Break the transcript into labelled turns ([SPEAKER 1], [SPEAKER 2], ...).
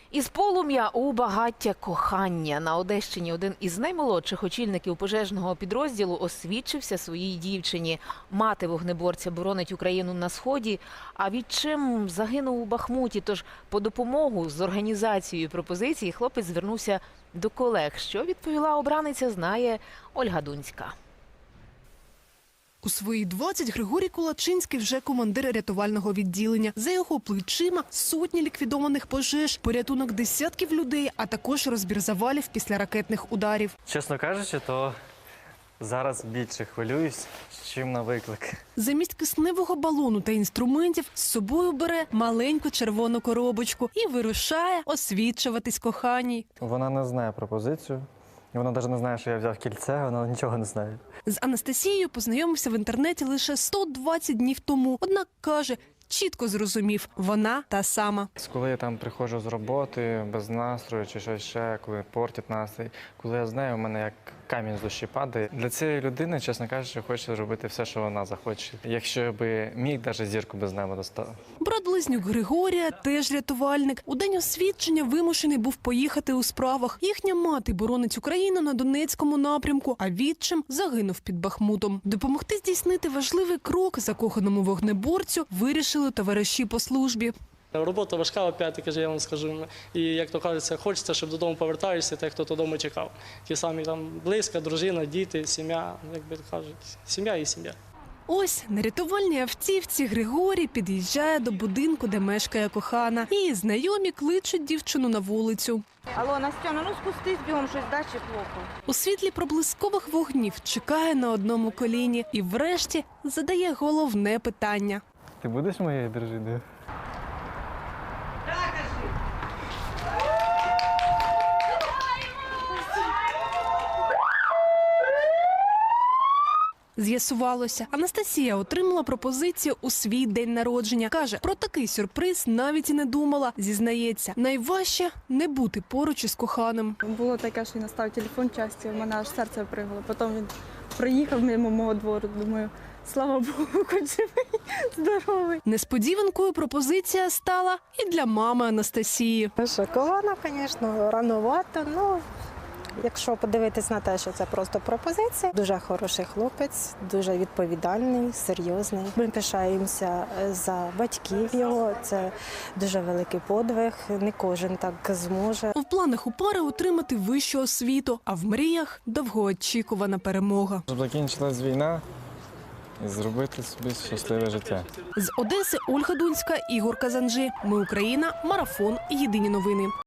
[SPEAKER 1] Із полум'я у багаття кохання. На Одещині один із наймолодших очільників пожежного підрозділу освідчився своїй дівчині. Мати вогнеборця боронить Україну на Сході, а відчим загинув у Бахмуті. Тож по допомогу з організацією пропозиції хлопець звернувся до колег. Що відповіла обраниця, знає Ольга Дунська.
[SPEAKER 2] У свої 20 Григорій Кулачинський вже командир рятувального відділення. За його плечима сотні ліквідованих пожеж, порятунок десятків людей, а також розбір завалів після ракетних ударів.
[SPEAKER 3] Чесно кажучи, то зараз більше хвилююсь, чим на виклик.
[SPEAKER 2] Замість кисневого балону та інструментів з собою бере маленьку червону коробочку і вирушає освідчуватись коханій.
[SPEAKER 3] Вона не знає пропозицію. Вона навіть не знає, що я взяв кільце, вона нічого не знає.
[SPEAKER 2] З Анастасією познайомився в інтернеті лише 120 днів тому. Однак, каже, чітко зрозумів – вона та сама.
[SPEAKER 3] Коли я там приходжу з роботи, без настрою чи щось ще, коли портять настрій, коли я з нею, у мене як камінь з душі падає. Для цієї людини, чесно кажучи, хочу зробити все, що вона захоче. Якщо би міг, навіть зірку без неба достав.
[SPEAKER 2] Брат-близнюк Григорія теж рятувальник. У день освідчення вимушений був поїхати у справах. Їхня мати боронить Україну на Донецькому напрямку, а відчим загинув під Бахмутом. Допомогти здійснити важливий крок закоханому вогнеборцю вирішили товариші по службі.
[SPEAKER 4] Робота важка, опять-таки, я вам скажу. І, як то кажеться, хочеться, щоб додому повертаєшся, тих, хто додому чекав. Ті самі там близька, дружина, діти, сім'я, як би кажуть, сім'я і сім'я.
[SPEAKER 2] Ось на рятувальній автівці Григорій під'їжджає до будинку, де мешкає кохана. Її знайомі кличуть дівчину на вулицю.
[SPEAKER 5] Алло, Настяна, ну спустись бігом, щось далі плохо.
[SPEAKER 2] У світлі проблискових вогнів чекає на одному коліні і врешті задає головне питання.
[SPEAKER 3] Ти будеш моєю дружиною?
[SPEAKER 2] З'ясувалося, Анастасія отримала пропозицію у свій день народження. Каже, про такий сюрприз навіть і не думала. Зізнається, найважче – не бути поруч із коханим.
[SPEAKER 6] Було таке, що він наставив телефон часті, в мене аж серце пригало. Потім він приїхав мимо мого двору, думаю, слава Богу, хоч живий, здоровий.
[SPEAKER 2] Несподіванкою пропозиція стала і для мами Анастасії.
[SPEAKER 7] Шокована, звісно, рановато, ну, якщо подивитись на те, що це просто пропозиція. Дуже хороший хлопець, дуже відповідальний, серйозний. Ми пишаємося за батьків його, це дуже великий подвиг, не кожен так зможе.
[SPEAKER 2] В планах у пари отримати вищу освіту, а в мріях – довгоочікувана перемога.
[SPEAKER 3] Щоб закінчилась війна і зробити собі щасливе життя.
[SPEAKER 2] З Одеси Ольга Дунська, Ігор Казанжи. Ми Україна. Марафон. Єдині новини.